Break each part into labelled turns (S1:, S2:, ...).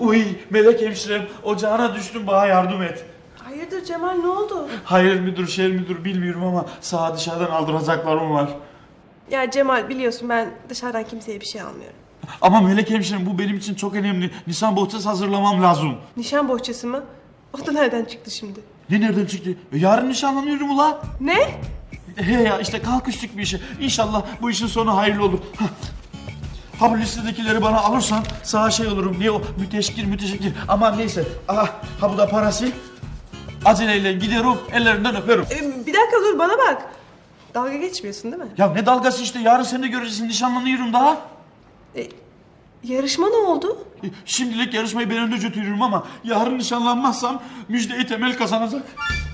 S1: Uy melek hemşirem, ocağına düştüm, bana yardım et.
S2: Hayırdır Cemal, ne oldu?
S1: Hayır müdür, şer müdür bilmiyorum ama sağa dışarıdan aldıracaklarım var.
S2: Ya Cemal, biliyorsun ben dışarıdan kimseye bir şey almıyorum.
S1: Ama melek hemşirem, bu benim için çok önemli. Nişan bohçası hazırlamam lazım.
S2: Nişan bohçası mı? O da nereden çıktı şimdi?
S1: Ne nereden çıktı? Yarın nişanlanıyorum ula.
S2: Ne?
S1: He ya, işte kalkıştık bir işe. İnşallah bu işin sonu hayırlı olur. Hah. Ha bu listedekileri bana alırsan sana şey olurum. Niye o müteşekkir. Aman neyse. Aha, ha bu da parası. Aceleyle gidiyorum, ellerinden öperim.
S2: Bir dakika dur, bana bak. Dalga geçmiyorsun değil mi?
S1: Ya ne dalgası işte, yarın sen de göreceksin, nişanlanıyorum daha.
S2: Yarışma ne oldu?
S1: Şimdilik yarışmayı ben önde götürüyorum ama yarın nişanlanmazsam müjdeyi Temel kazanacak.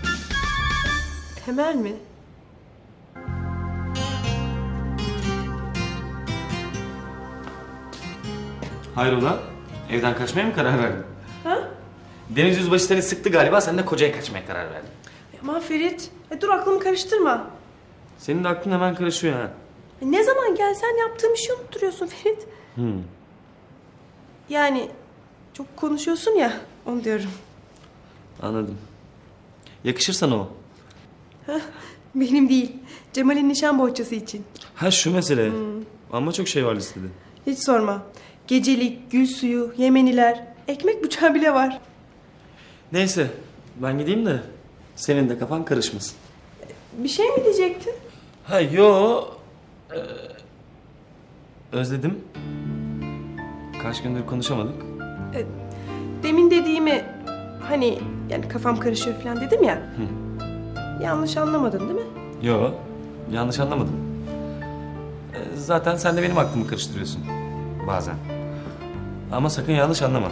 S2: Temel mi?
S3: Hayrola? Evden kaçmaya mı karar verdin?
S2: Ha?
S3: Deniz Yüzbaşı seni sıktı galiba, sen de kocaya kaçmaya karar verdin.
S2: Aman Ferit, dur aklımı karıştırma.
S3: Senin de aklın hemen karışıyor ha.
S2: Ne zaman gelsen yaptığım işi unutturuyorsun Ferit. Yani çok konuşuyorsun ya, onu diyorum.
S3: Anladım. Yakışır sana o.
S2: Benim değil, Cemal'in nişan bohçası için.
S3: Ha şu mesele. Ama çok şey var listede.
S2: Hiç sorma. Gecelik, gül suyu, yemeniler, ekmek bıçağı bile var.
S3: Neyse, ben gideyim de senin de kafan karışmasın.
S2: Bir şey mi diyecektin?
S3: Ha yo. Özledim. Kaç gündür konuşamadık.
S2: Demin dediğimi, hani yani kafam karışıyor falan dedim ya. Yanlış anlamadın değil mi?
S3: Yo, yanlış anlamadım. Zaten sen de benim aklımı karıştırıyorsun. Bazen. Ama sakın yanlış anlama.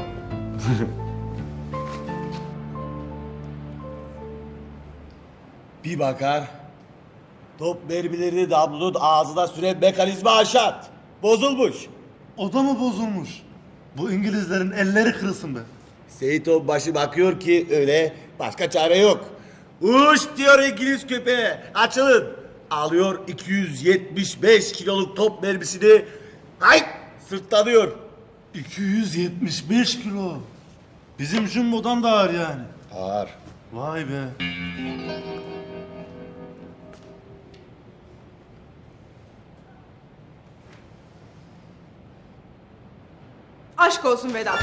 S4: Bir bakar, top mermilerini Damlu'nun ağzına süren mekanizma aşat. Bozulmuş.
S5: O da mı bozulmuş? Bu İngilizlerin elleri kırılsın be.
S4: Seyit Onbaşı bakıyor ki öyle, başka çare yok. Uş diyor İngiliz köpeğe, açılın. Alıyor 275 kiloluk top mermisini, ay sırtlanıyor.
S5: 275 kilo. Bizim jumbodan da ağır yani.
S4: Ağır.
S5: Vay be.
S2: Aşk olsun Vedat.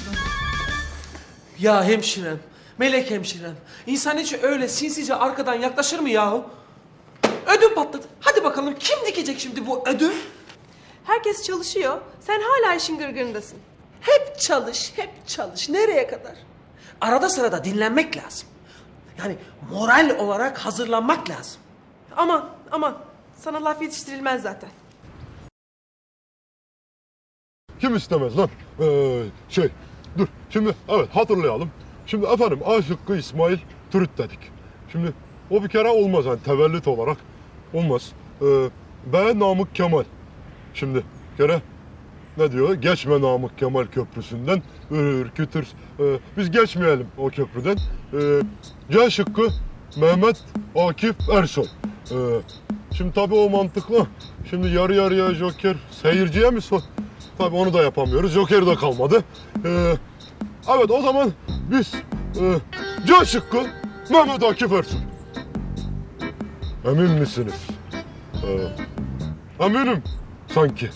S6: Ya hemşirem, melek hemşirem. İnsan hiç öyle sinsice arkadan yaklaşır mı yahu? Ödüm patladı. Hadi bakalım kim dikecek şimdi bu ödül?
S2: Herkes çalışıyor, sen hala işin gırgırındasın.
S6: Hep çalış, hep çalış. Nereye kadar? Arada sırada dinlenmek lazım. Yani moral olarak hazırlanmak lazım.
S2: Aman, sana laf yetiştirilmez zaten.
S7: Kim istemez lan? Dur. Şimdi evet hatırlayalım. Şimdi efendim A şıkkı İsmail Türüt dedik. Şimdi o bir kere olmaz yani tevellüt olarak olmaz. B Namık Kemal. Şimdi kere ne diyor? Geçme Namık Kemal Köprüsü'nden. Ürkütür. Biz geçmeyelim o köprüden. C şıkkı Mehmet Akif Ersoy. Şimdi tabii o mantıklı. Şimdi yarı yarıya Joker seyirciye mi sor? Tabii onu da yapamıyoruz. Joker de kalmadı. Evet o zaman biz C şıkkı Mehmet Akif Ersoy. Emin misiniz? Eminim sanki.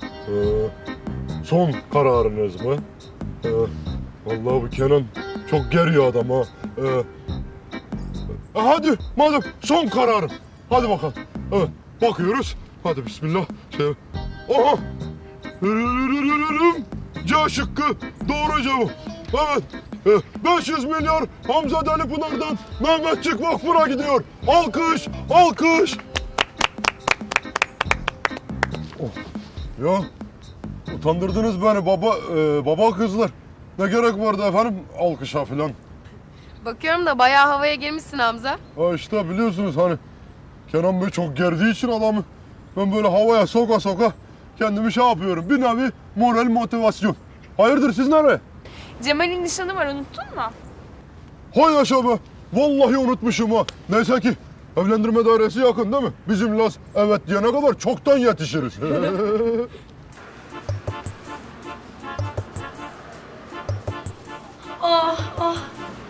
S7: Son kararınız mı? Vallahi bu Kenan çok geriyor adam ha. Hadi madem son kararım. Hadi bakalım. Evet bakıyoruz. Hadi bismillah. Aha. C şıkkı doğru cevap. Evet. 500 milyar Hamza Delipınar'dan Mehmetçik Vakfı'na gidiyor. Alkış, alkış. Ya utandırdınız beni baba kızlar. Ne gerek vardı efendim alkışa filan.
S8: Bakıyorum da bayağı havaya girmişsin Hamza.
S7: Ha işte biliyorsunuz hani Kenan Bey çok gerdiği için adamı ben böyle havaya soka soka kendimi şey yapıyorum. Bir nevi moral motivasyon. Hayırdır siz nereye?
S8: Cemal'in nişanı var, unuttun mu?
S7: Hay yaşa be. Vallahi unutmuşum ha. Neyse ki evlendirme dairesi yakın değil mi? Bizim Laz evet diyene kadar çoktan yetişiriz.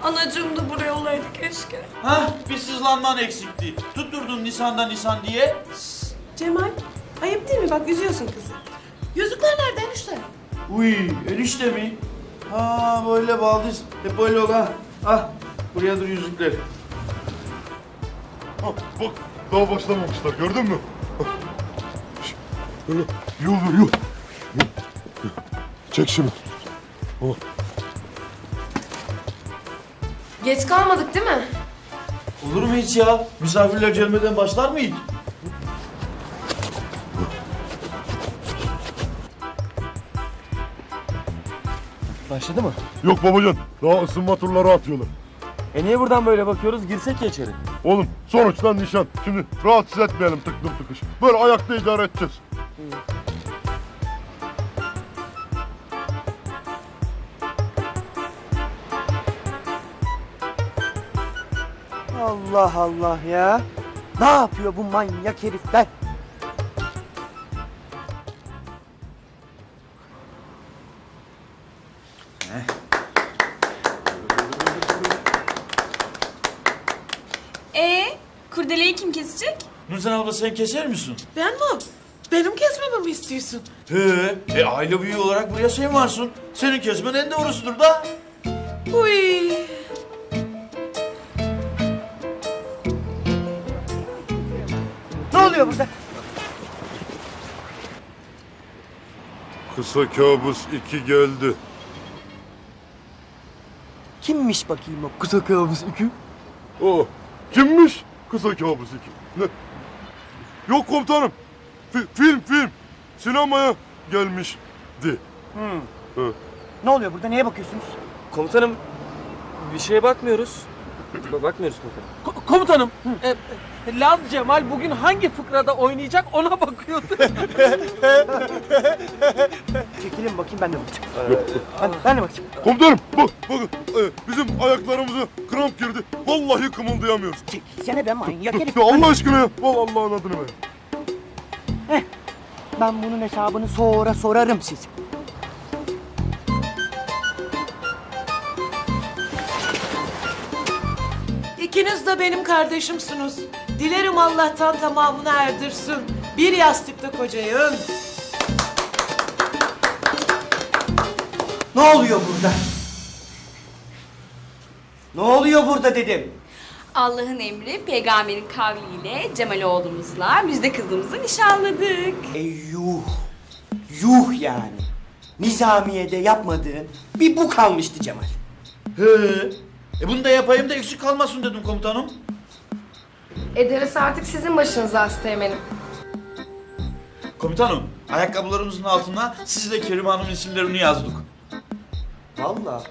S9: Anacığım da buraya olaydı keşke.
S1: Hah bir sızlanman eksikti. Tutturdun Nisan'dan Nisan diye.
S2: Cemal, ayıp değil mi? Bak üzüyorsun kızı.
S9: Yüzükler nerede enişte?
S1: Uy enişte mi? Ha böyle baldız. Hep böyle ol ha. Ah buraya dur yüzükler.
S7: Ha, bak daha başlamamışlar gördün mü? Şş, böyle yol ver yol. Çek şimdi.
S8: Geç kalmadık değil mi?
S1: Olur mu hiç ya? Misafirler gelmeden başlar mı hiç?
S3: Başladı mı?
S7: Yok babacan daha ısınma turları atıyorlar.
S3: Niye buradan böyle bakıyoruz? Girsek ya içeri.
S7: Oğlum sonuçta nişan. Şimdi rahatsız etmeyelim tıklım tıkış. Böyle ayakta idare edeceğiz.
S10: Allah Allah ya. Ne yapıyor bu manyak herifler?
S9: Kurdeleyi kim kesecek?
S1: Nurten abla sen keser misin?
S6: Ben mi? Benim kesmemi mi istiyorsun?
S1: He. Aile büyüğü olarak buraya sen varsın. Senin kesmen en doğrusudur da.
S6: Uy.
S10: Ne oluyor burada?
S7: Kısa kabus 2 geldi.
S10: Kimmiş bakayım o kısa kabus iki?
S7: O kimmiş? Kısa kabus 2. Ne? Yok komutanım. Film. Sinemaya gelmişti.
S10: Ne oluyor burada? Neye bakıyorsunuz?
S3: Komutanım bir şeye bakmıyoruz. Bakmıyoruz komutanım.
S6: Komutanım, Laz Cemal bugün hangi fıkrada oynayacak ona bakıyordu.
S10: Çekilin bakayım ben de bakacağım. Ben de bakacağım.
S7: Komutanım bakın bizim ayaklarımıza kramp girdi. Vallahi kımıldayamıyoruz.
S10: Çekilsene be manyak herif.
S7: Ya Allah aşkına ya. Vallahi Allah'ın adını ver.
S10: Ben bunun hesabını sonra sorarım size.
S6: İkiniz de benim kardeşimsiniz. Dilerim Allah'tan tamamını erdirsin. Bir yastıkta kocayın.
S10: Ne oluyor burada? Ne oluyor burada dedim.
S9: Allah'ın emri peygamberin kavliyle Cemal oğlumuzla müjde kızımızı nişanladık.
S10: Yuh. Yuh yani. Nizamiye'de yapmadığın bir bu kalmıştı Cemal.
S1: He. Bunu da yapayım da eksik kalmasın dedim komutanım.
S8: Ederiz artık sizin başınıza Asteğmen'im.
S1: Komutanım, ayakkabılarımızın altına siz de Kerim Hanım'ın isimlerini yazdık.
S10: Vallahi.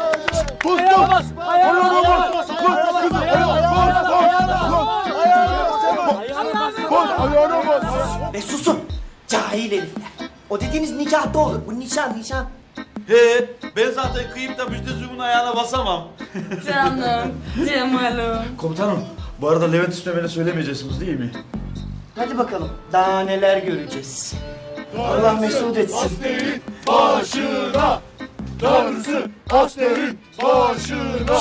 S10: Ve susun. Cahil herifler. O dediğiniz nikahta olur. Bu nişan.
S1: He, ben zaten kıyıp da müjdezumun ayağına basamam.
S9: Canım, Cemal'im.
S1: Komutanım, bu arada Levent Üstemel'e söylemeyeceksiniz değil mi?
S10: Hadi bakalım. Daha neler göreceğiz. Allah mesut etsin.
S7: Başına. Darısı askerin başına.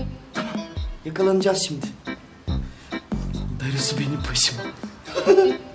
S10: Yakalanacağız şimdi.
S6: Darısı benim başıma.